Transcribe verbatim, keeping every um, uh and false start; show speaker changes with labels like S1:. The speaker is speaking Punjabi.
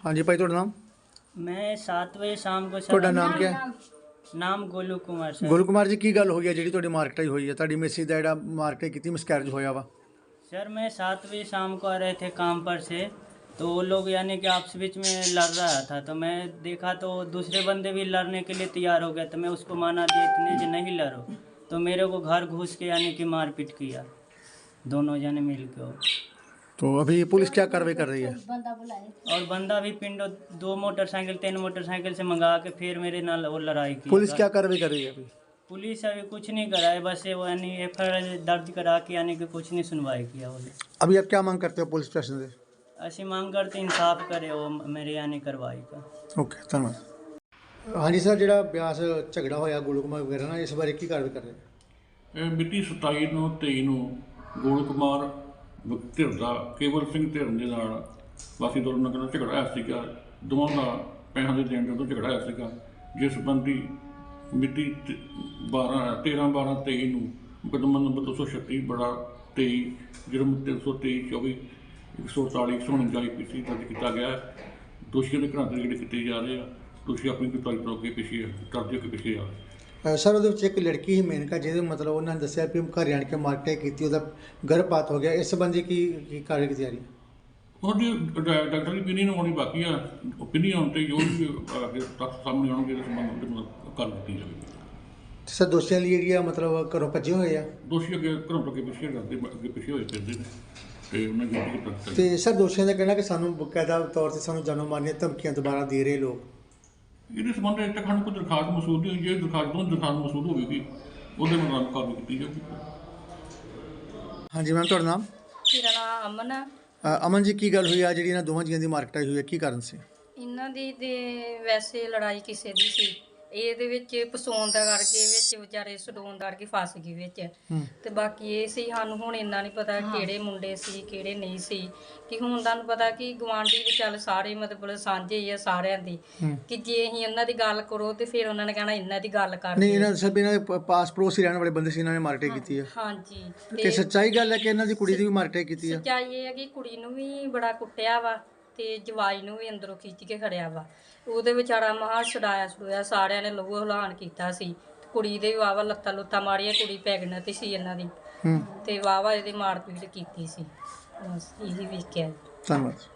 S1: हाँ जी भाई, ਤੁਹਾਡਾ नाम?
S2: मैं सात बजे शाम को
S1: ਤੁਹਾਡਾ
S2: सर
S1: नाम क्या है?
S2: नाम गोलू कुमार सर।
S1: ਗੋਲੂ ਕੁਮਾਰ ਜੀ, ਕੀ ਗੱਲ ਹੋਈ ਹੈ ਜਿਹੜੀ ਤੁਹਾਡੀ ਮਾਰਕਟਾਈ ਹੋਈ ਹੈ? ਤੁਹਾਡੀ ਮਿਸਿਸ ਦਾ ਜਿਹੜਾ ਮਾਰਕਟਾਈ ਕੀਤੀ ਮਿਸਕੈਰੇਜ ਹੋਇਆ ਵਾ?
S2: सर मैं सात बजे शाम को आ रहे थे काम पर से, तो वो लोग यानी कि आपस बीच में लड़ रहा था, तो मैं देखा तो दूसरे बंदे भी लड़ने के लिए तैयार हो गया, तो मैं उसको माना दिया इतने जो नहीं लड़ो, तो मेरे को घर घुस के यानी कि मारपीट किया दोनों जने मिल के।
S1: तो अभी पुलिस क्या कार्रवाई कर रही है?
S2: और बंदा भी पिंडो दो मोटरसाइकिल तीन मोटरसाइकिल से मंगा के फिर मेरे नाल वो लड़ाई की।
S1: पुलिस क्या कार्रवाई कर रही है अभी?
S2: पुलिस अभी कुछ नहीं करा है, बस ये वो यानी एफ आई आर दर्ज करा के यानी कि कुछ नहीं सुनवाई किया वो।
S1: अभी आप क्या मांग करते हो पुलिस स्टेशन से?
S2: ऐसी मांग करते इंसाफ करे वो मेरे यानी कार्रवाई का।
S1: ओके, धन्यवाद। हाँ जी सर, ਜਿਹੜਾ ਬਿਆਸ ਝਗੜਾ ਹੋਇਆ ਗੋਲੂ ਕੁਮਾਰ ਵਗੈਰਾ ਨਾਲ, ਇਸ ਬਾਰੇ ਕੀ ਕਾਰਵਾਈ ਕਰ ਰਹੇ ਹੋ?
S3: ਇਹ ਮਿਤੀ ਸਤਾਈ ਨੂੰ ਤੇਈ ਨੂੰ ਗੋਲੂ ਕੁਮਾਰ ਧਿਰ ਦਾ ਕੇਵਲ ਸਿੰਘ ਧਿਰ ਦੇ ਨਾਲ ਵਾਸੀ ਦੋਨਾਂ ਨਾਲ ਝਗੜਾ ਹੋਇਆ ਸੀਗਾ। ਦੋਵਾਂ ਦਾ ਪੈਸਿਆਂ ਦੇ ਦੇਣ ਤੋਂ ਝਗੜਾ ਹੋਇਆ ਸੀਗਾ, ਜਿਸ ਸੰਬੰਧੀ ਮਿਤੀ ਬਾਰਾਂ ਤੇਰ੍ਹਾਂ ਬਾਰਾਂ ਤੇਈ ਨੂੰ ਮੁਕੱਦਮਾ ਨੰਬਰ ਦੋ ਸੌ ਛੱਤੀ ਬੜਾ ਤੇਈ ਜੁਰਮ ਤਿੰਨ ਸੌ ਤੇਈ ਚੌਵੀ ਇੱਕ ਸੌ ਅੜਤਾਲੀ ਇੱਕ ਸੌ ਉਣੰਜਾ ਆਈ ਪੀ ਸੀ ਦਰਜ ਕੀਤਾ ਗਿਆ ਹੈ। ਦੋਸ਼ੀਆਂ ਦੇ ਘਰਾਂ ਦੇ ਜਿਹੜੇ ਕੀਤੇ ਜਾ ਰਹੇ ਆ, ਦੋਸ਼ੀ ਆਪਣੀ ਗ੍ਰਿਫਤਾਰੀ ਤੋਂ ਅੱਗੇ ਪਿੱਛੇ ਕਰਦੇ ਅੱਗੇ ਪਿੱਛੇ ਆ ਰਹੇ।
S1: ਸਰ, ਉਹਦੇ ਵਿੱਚ ਇੱਕ ਲੜਕੀ ਹੀ ਮੇਨਕਾ, ਜਿਹਦੇ ਮਤਲਬ ਉਹਨਾਂ ਨੇ ਦੱਸਿਆ ਵੀ ਘਰ ਆਣ ਕੇ ਮਾਰਕਟਾਈ ਕੀਤੀ, ਉਹਦਾ ਗਰਭਪਾਤ ਹੋ ਗਿਆ। ਇਸ ਸੰਬੰਧੀ ਕੀ ਕੀ ਕਾਰਵਾਈ ਕੀਤੀ ਜਾ ਰਹੀ ਹੈ?
S3: ਉਹਦੀ ਡਾਕਟਰ ਦੀ opinion ਆਉਣੀ ਬਾਕੀ ਆ। opinion ਆਉਣ 'ਤੇ ਜੋ ਵੀ ਅੱਗੇ ਤੱਥ ਸਾਹਮਣੇ ਆਉਣਗੇ ਇਸ ਸੰਬੰਧ ਵਿੱਚ ਮਤਲਬ ਕਰ ਦਿੱਤੀ ਜਾਵੇਗੀ।
S1: ਸਰ, ਦੋਸ਼ੀਆਂ ਲਈ ਜਿਹੜੀ ਆ ਮਤਲਬ ਘਰੋਂ ਭੱਜੇ ਹੋਏ ਆ?
S3: ਦੋਸ਼ੀ ਅੱਗੇ ਘਰੋਂ ਤੋਂ ਅੱਗੇ ਪਿੱਛੇ ਕਰਦੇ ਅੱਗੇ ਪਿੱਛੇ ਹੋਏ ਫਿਰਦੇ ਨੇ ਤੇ ਉਹਨਾਂ ਦੀ ਡਿਊਟੀ ਕਰ
S1: ਤੇ ਸਰ, ਦੋਸ਼ੀਆਂ ਦਾ ਕਹਿਣਾ ਕਿ ਸਾਨੂੰ ਬਕਾਇਦਾ ਤੌਰ 'ਤੇ ਸਾਨੂੰ ਜਾਨੋਂ ਮਾਰਨ ਦੀਆਂ ਧਮਕੀਆਂ ਦੁਬਾਰਾ ਦੇ ਰਹੇ ਲੋਕ।
S3: ਇਹਦੇ ਸੰਬੰਧ ਵਿੱਚ ਤੱਕ ਸਾਨੂੰ ਕੋਈ ਦਰਖਾਸਤ ਮਸੂਲ ਨਹੀਂ ਹੋਈ। ਜੇ ਦਰਖਾਸਤ ਤੋਂ ਦਰਖਾਸਤ ਮਸੂਲ ਹੋਵੇਗੀ ਉਹਦੇ ਮੁਤਾਬਕ ਕਾਰਵਾਈ ਕੀਤੀ ਜਾਵੇਗੀ।
S1: ਹਾਂਜੀ ਮੈਮ, ਤੁਹਾਡਾ ਨਾਮ?
S4: ਮੇਰਾ ਨਾਮ ਅਮਨ ਆ।
S1: ਅ, ਅਮਨ ਜੀ, ਕੀ ਗੱਲ ਹੋਈ ਆ ਜਿਹੜੀ ਇਹਨਾਂ ਦੋਵਾਂ ਜੀਆਂ ਦੀ ਮਾਰਕਟਾਈ ਹੋਈ ਹੈ? ਕੀ ਕਾਰਨ ਸੀ?
S4: ਇਹਨਾਂ ਦੀ ਤੇ ਵੈਸੇ ਲੜਾਈ ਕਿਸੇ ਦੀ ਸੀ, ਇਹਦੇ ਵਿੱਚ ਪਸੋਣ ਦਾ ਕਰਕੇ ਵਿੱਚ ਵਿਚਾਰੇ ਸਡੋਨ ਦਾ ਕਰਕੇ ਫਸ ਗਈ ਵਿੱਚ। ਤੇ ਬਾਕੀ ਇਹ ਸੀ, ਸਾਨੂੰ ਹੁਣ ਇੰਨਾ ਨਹੀਂ ਪਤਾ ਕਿਹੜੇ ਮੁੰਡੇ ਸੀ ਕਿਹੜੇ ਨਹੀਂ ਸੀ, ਕਿ ਹੁਣ ਤੁਹਾਨੂੰ ਪਤਾ ਕਿ ਗਵਾਂਢੀ ਵੀ ਚੱਲ ਸਾਰੇ ਮਤਲਬ ਸਾਂਝੇ ਹੀ ਆ ਸਾਰਿਆਂ ਦੀ, ਕਿ ਜੇ ਅਸੀਂ ਇਹਨਾਂ ਦੀ ਗੱਲ ਕਰੋ ਤੇ ਫਿਰ ਉਹਨਾਂ ਨੇ ਕਹਿਣਾ ਇਹਨਾਂ ਦੀ ਗੱਲ ਕਰ।
S1: ਨਹੀਂ, ਇਹਨਾਂ ਸਭ ਇਹਨਾਂ ਦੇ ਪਾਸ ਪੜੋਸ ਹੀ ਰਹਿਣ ਵਾਲੇ ਬੰਦੇ ਸੀ, ਇਹਨਾਂ ਨੇ ਮਾਰਕਟਾਈ ਕੀਤੀ ਹੈ।
S4: ਹਾਂਜੀ,
S1: ਕਿ ਸੱਚਾਈ ਗੱਲ ਹੈ ਕਿ ਇਹਨਾਂ ਦੀ ਕੁੜੀ ਦੀ ਵੀ ਮਾਰਕਟਾਈ ਕੀਤੀ ਹੈ?
S4: ਸੱਚਾਈ ਇਹ ਹੈ ਕਿ ਕੁੜੀ ਨੂੰ ਵੀ ਬੜਾ ਕੁੱਟਿਆ ਵਾ ਤੇ ਜਵਾਈ ਨੂੰ ਵੀ ਅੰਦਰੋਂ ਖਿੱਚ ਕੇ ਖੜਿਆ ਵਾ। ਉਹਦੇ ਵਿਚਾਰਾ ਮਹਾ ਛਡਾਇਆ ਛਡੋਇਆ, ਸਾਰਿਆਂ ਨੇ ਲਹੂ ਹਲਾਨ ਕੀਤਾ ਸੀ। ਕੁੜੀ ਦੇ ਵਾਵਾ ਲੱਤਾਂ ਲੁੱਤਾਂ ਮਾਰੀਆਂ, ਕੁੜੀ ਪ੍ਰੈਗਨੈਂਟ ਸੀ ਇਹਨਾਂ ਦੀ, ਤੇ ਵਾਵਾ ਇਹਦੇ ਮਾਰਪੀਟ ਕੀਤੀ ਸੀ। ਬਸ ਇਹੀ ਵੇਖਿਆ।
S1: ਧੰਨਵਾਦ।